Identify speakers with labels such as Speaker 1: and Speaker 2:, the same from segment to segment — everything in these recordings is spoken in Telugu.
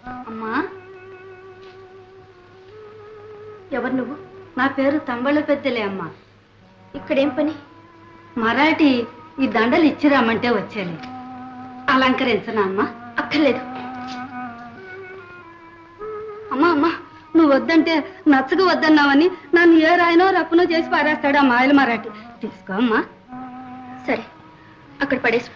Speaker 1: అమ్మా, ఎవరు నువ్వు? నా పేరు తంబళ్ళ పెద్దలే అమ్మా. ఇక్కడేం పని? మరాఠీ ఈ దండలు ఇచ్చిరామంటే వచ్చాను. అలంకరించనా అమ్మా? అక్కర్లేదు. అమ్మా అమ్మా, నువ్వు వద్దంటే నచ్చగా వద్దన్నావని నన్ను ఏ రాయనో రప్పునో చేసి పారేస్తాడు ఆ మాయల మరాఠీ. తీసుకో అమ్మా. సరే, అక్కడ పడేసిపో.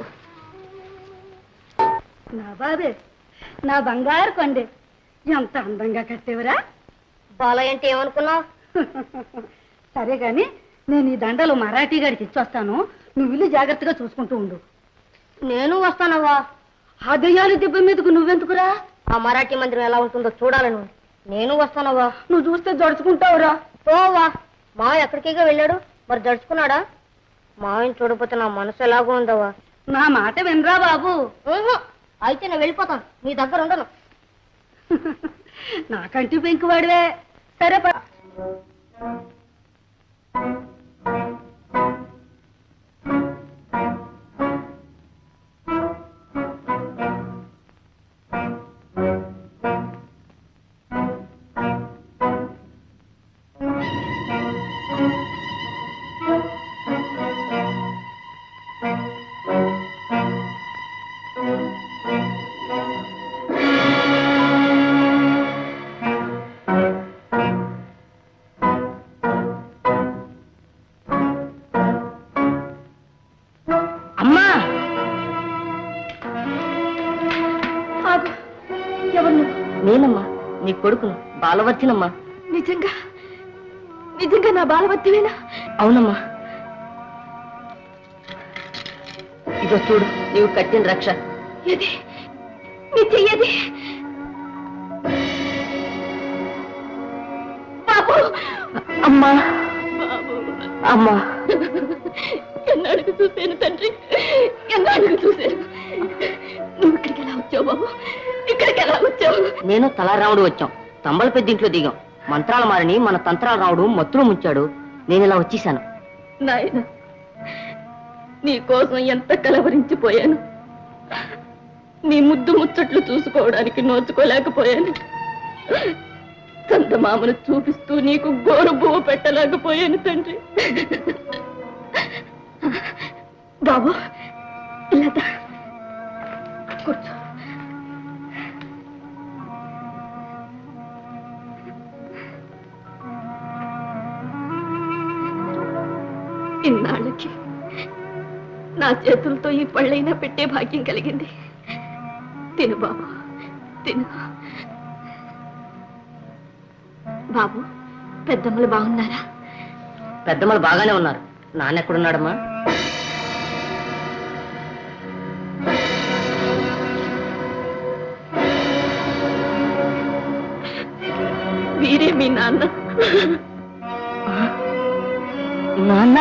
Speaker 1: నా బాబే, నా బంగారు కొండే, ఎంత అందంగా కట్టేవరా.
Speaker 2: బాలయ్య అంటే ఏమనుకున్నావు?
Speaker 1: సరే గాని నేను ఈ దండలు మరాఠీ గారికి ఇచ్చొస్తాను. నువ్వు ఇల్లు జాగ్రత్తగా చూసుకుంటూ ఉండు.
Speaker 2: నేను వస్తానవ్వా.
Speaker 1: ఆ దెయ్యాలు దెబ్బ మీదకు నువ్వెందుకురా?
Speaker 2: ఆ మరాఠీ మందిరం ఎలా ఉంటుందో చూడాలను. నేను వస్తానవ్వా.
Speaker 1: నువ్వు చూస్తే జడుచుకుంటావురా.
Speaker 2: పోవా. మావ ఎక్కడికిగా వెళ్ళాడు, మరి జడుచుకున్నాడా? మావని చూడకపోతే నా మనసు ఎలాగో ఉందవ్వా.
Speaker 1: నా మాట వినరా బాబు.
Speaker 2: అయితే నేను వెళ్ళిపోతాను, నీ దగ్గర ఉండను.
Speaker 1: నాకంటి పెంకువాడివే. సరే
Speaker 2: నేనమ్మా, నీ కొడుకును, బాలవర్తినమ్మా.
Speaker 1: నిజంగా నిజంగా నా బాలవర్తివేనా?
Speaker 2: అవునమ్మా. ఇదో చూడు, నీవు కట్టిన రక్ష.
Speaker 1: ఏది నీ చెయ్యది? బాబు,
Speaker 2: అమ్మా అమ్మా.
Speaker 1: ఎన్నాళ్ళకి చూశాను తండ్రి, ఎన్నాళ్ళకి చూశాను. నువ్వు ఇక్కడికి ఎలా వచ్చావు బాబు? ఇక్కడికి ఎలా వచ్చావు?
Speaker 2: నేను తలారాముడు వచ్చాం. తంబల పెద్దింట్లో దిగాం. మంత్రాల మారిని మన తంత్రాల రావుడు మత్తులో ముంచాడు. నేను ఇలా వచ్చేసాను.
Speaker 1: నాయన, నీ కోసం ఎంత కలవరించిపోయాను. నీ ముద్దు ముచ్చట్లు చూసుకోవడానికి నోచుకోలేకపోయాను. చందమామను చూపిస్తూ నీకు గోరు బువ్వ పెట్టలేకపోయాను తండ్రి. బాబు, ఇలా కూర్చో. ఇన్నాళ్ళకి నా చేతులతో ఈ పళ్ళైనా పెట్టే భాగ్యం కలిగింది. తిను బాబు, తిను. బాబు, పెద్దమ్మలు బాగున్నారా?
Speaker 2: పెద్దమ్మలు బాగానే ఉన్నారు. నాన్నెక్కడున్నాడమ్మా?
Speaker 1: వీరే మీ నాన్న.
Speaker 2: నాన్న?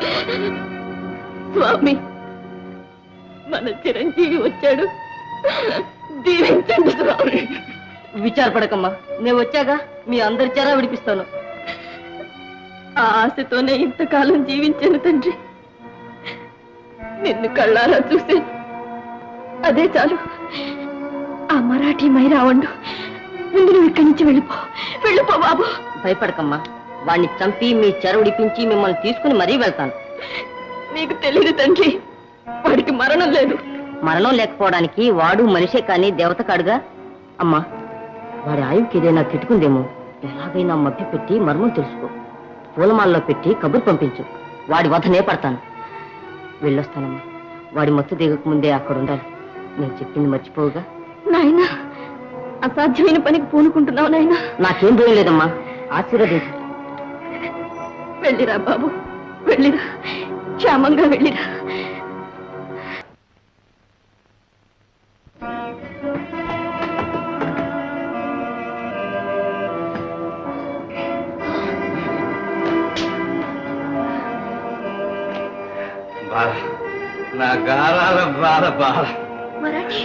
Speaker 1: స్వామి, మన చిరంజీవి వచ్చాడు, దీవించండి స్వామి.
Speaker 2: విచారపడకమ్మా, నేను వచ్చాగా మీ అందరి చేరా విడిపిస్తాను.
Speaker 1: ఆ ఆశతోనే ఇంతకాలం జీవించాను తండ్రి. నిన్ను కళ్ళారా చూశాను, అదే చాలు. ఆ మరాఠీ మైరావండు, ముందు నువ్వు ఇక్కడి నుంచి వెళ్ళిపో, వెళ్ళిపో బాబు.
Speaker 2: భయపడకమ్మా, వాడిని చంపి మీ చెర ఉడిపించి మిమ్మల్ని తీసుకుని మరీ వెళ్తాను.
Speaker 1: నీకు తెలియదు తండ్రి, వాడికి మరణం లేదు.
Speaker 2: మరణం లేకపోవడానికి వాడు మనిషే కానీ దేవత కాడుగా. అమ్మా, వాడి ఆయువుకి ఏదైనా కిట్టుకుందేమో. ఎలాగైనా మభ్య పెట్టి మర్మం తెలుసుకో. పూలమాలలో పెట్టి కబురు పంపించు. వాడి వధనే పడతాను. వెళ్ళొస్తానమ్మా. వాడి మత్తు దిగక ముందే అక్కడ ఉండాలి. నేను చెప్పింది మర్చిపోవుగా.
Speaker 1: నాయనా, అసాధ్యమైన పనికి పూనుకుంటున్నావు నాయనా.
Speaker 2: నాకేం భయం లేదమ్మా, ఆశీర్వదించు.
Speaker 1: వెళ్ళిరా బాబు, వెళ్ళిరా, క్షేమంగా వెళ్ళిరా.
Speaker 3: బాల, నా గారాల బాల బాల.
Speaker 1: మరాఠీ,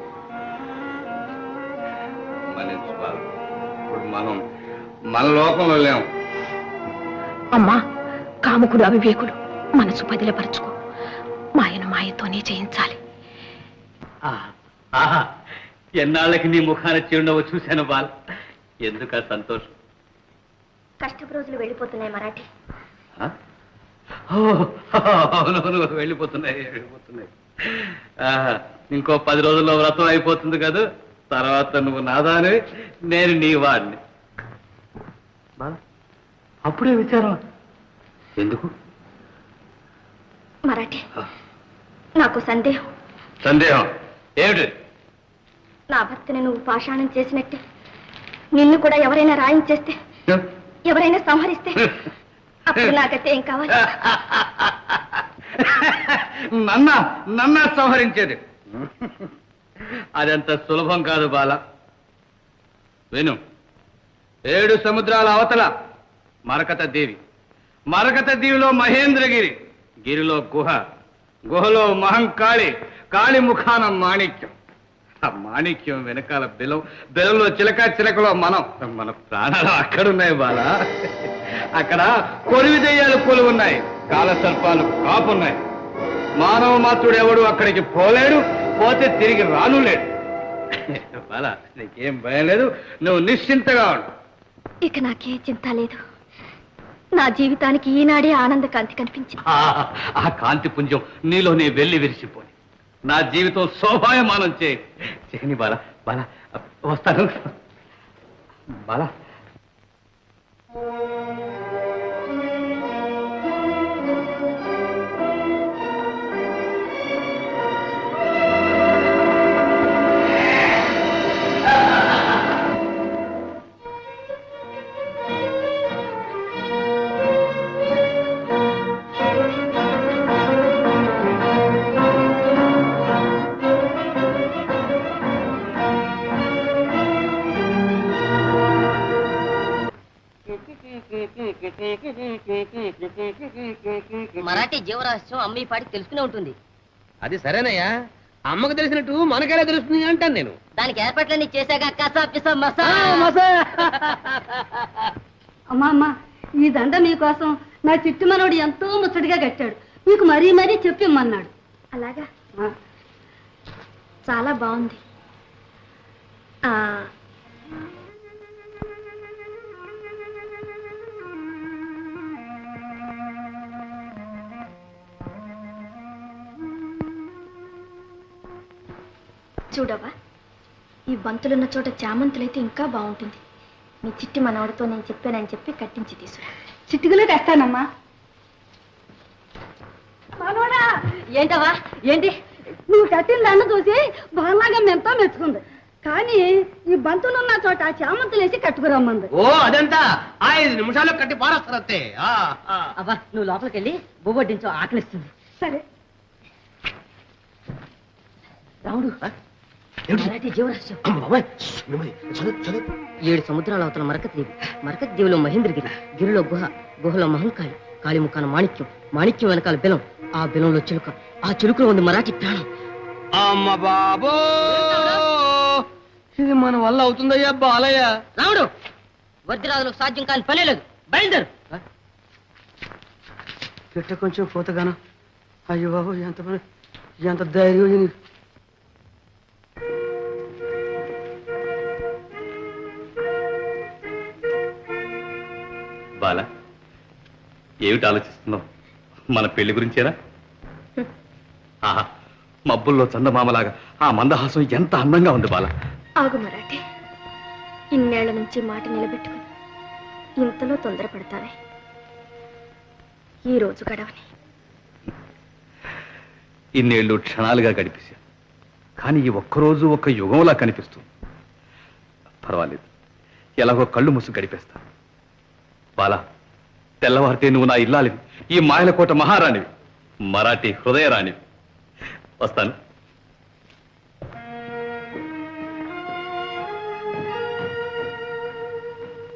Speaker 3: మనిషి బాల, ఇప్పుడు మనం మన లోకంలో లేము.
Speaker 4: అమ్మా, కాముకుడు అవివేకుడు, మనసు పదిలపరచుకో. మాయను మాయతోనే చేయించాలి.
Speaker 3: ఎన్నాళ్ళకి నీ ముఖాన చిరునవ్వు చూశాను బాల. ఎందుక సంతోషం?
Speaker 4: కష్టపు రోజులు వెళ్ళిపోతున్నాయి మరాఠీ.
Speaker 3: ఆ? ఓ, అవునవును, వెళ్ళిపోతున్నాయి. ఆహా, ఇంకో 10 రోజుల్లో వ్రతం అయిపోతుంది కదా, తర్వాత నువ్వు నాదాని, నేను నీ వాడిని. బాల, అప్పుడే విచారం ఎందుకు?
Speaker 4: మరాఠీ, నాకు సందేహం.
Speaker 3: సందేహం ఏమిటి?
Speaker 4: నా భర్తని నువ్వు పాషాణం చేసినట్టే నిన్ను కూడా ఎవరైనా రాయించేస్తే, ఎవరైనా సంహరిస్తే అప్పుడు నాకైతే ఏం కావాలి?
Speaker 3: నన్న సంహరించేది అదంత సులభం కాదు బాల. విను, 7 సముద్రాల అవతల మరకత దేవి, మరకత దీవిలో మహేంద్రగిరి, గిరిలో గుహ, గుహలో మహంకాళి, కాళి ముఖాన మాణిక్యం, ఆ మాణిక్యం వెనకాల బెలం, బెలంలో చిలక, చిలకలో మనం, మన ప్రాణాలు అక్కడున్నాయి బాల. అక్కడ కొరివి దెయ్యాలు కొలు ఉన్నాయి, కాలసర్పాలు కాపున్నాయి. మానవ మాత్రుడు ఎవడు అక్కడికి పోలేడు, పోతే తిరిగి రాను లేడు. బాల, నీకేం భయం లేదు, నువ్వు నిశ్చింతగా ఉండు.
Speaker 4: ఇక నాకే చింత లేదు. నా జీవితానికి ఈనాడే ఆనంద కాంతి కనిపించింది.
Speaker 3: ఆ కాంతి పుంజం నీలోనే వెళ్ళి విరిసిపోయి నా జీవితం శోభాయమానం చేయని బాల. బాల, వస్తాను బాల.
Speaker 2: మరాఠీ జీవరహస్యం అమ్మ ఈ పాటికి తెలుసుకునే ఉంటుంది.
Speaker 5: అది సరేనయ్యా, అమ్మకు తెలిసినట్టు మనకెలా తెలుస్తుంది అంటాను నేను.
Speaker 2: దానికి ఏర్పాట్లన్నీ చేశాక కసా పిసా మసా.
Speaker 1: అమ్మా, ఈ దండ మీకోసం నా చిట్టు మనోడు ఎంతో ముచ్చటగా కట్టాడు. మీకు మరీ మరీ చెప్పిమ్మన్నాడు.
Speaker 4: అలాగా?
Speaker 1: ఆ,
Speaker 4: చాలా బాగుంది. చూడవా, ఈ బంతులున్న చోట చామంతులైతే ఇంకా బాగుంటుంది. మీ చిట్టి మనవడితో నేను చెప్పానని చెప్పి కట్టించి తీసుకురా.
Speaker 1: చిట్టుకులే తెస్తానమ్మా. మనోడా,
Speaker 2: ఏంటవా? ఏంటి?
Speaker 1: నువ్వు కట్టిన దండ చూసి బాగా ఎంతో మెచ్చుకుంది. కానీ ఈ బంతులున్న చోట చామంతులేసి కట్టుకురమ్మంది.
Speaker 5: ఓ అదంతా 5 నిమిషాల్లో కట్టి పారేస్తారంతే.
Speaker 2: అవ్వా, నువ్వు లోపలికి వెళ్ళి బొబ్బొడ్డించు, ఆకలిస్తుంది.
Speaker 1: సరే.
Speaker 2: రాముడు, మరాఠీ జీవరహస్యం. 7 సముద్రాల అవతల మరకత దీవి, మరకత దీవిలో మహేంద్రగిరి, గిరిలో గుహ, గుహలో మహంకాళి, కాళి ముఖాన మాణిక్యం, మాణిక్యం వెనకాల బెలం, ఆ బెలంలో చిలుక, ఆ చిలుకలో ఉంది మరాఠీ ప్రాణం.
Speaker 5: అమ్మ బాబో, ఇది మన వల్ల అవుతుందయ్యా బాలయ్య.
Speaker 2: రాముడు, వజ్రాదులకు సాధ్యం కాని పనే లేదు, బయలుదేరు.
Speaker 5: చెట్ట కొంచెం పోతగానా? అయ్యో బాబు, ఎంత ధైర్యం.
Speaker 3: బాల, ఏమిటి ఆలోచిస్తున్నావు? మన పెళ్లి గురించేనా? ఆహా, మబ్బుల్లో చందమామలాగా ఆ మందహాసం ఎంత అందంగా ఉంది బాల.
Speaker 4: ఆగు మరాఠీ, ఇన్నేళ్ల నుంచి మాట నిలబెట్టుకుని ఇంతలో తొందరపడతావే. ఈ రోజు గడవని.
Speaker 3: ఇన్నేళ్లు క్షణాలుగా గడిపేశా, కానీ ఈ ఒక్కరోజు ఒక యుగంలా కనిపిస్తుంది. పర్వాలేదు, ఎలాగో కళ్ళు మూసి గడిపేస్తా. బాలా, తెల్లవారితే నువ్వు నా ఇల్లాలివి, ఈ మాయలకోట మహారాణివి, మరాఠీ హృదయరాణివి. వస్తాను.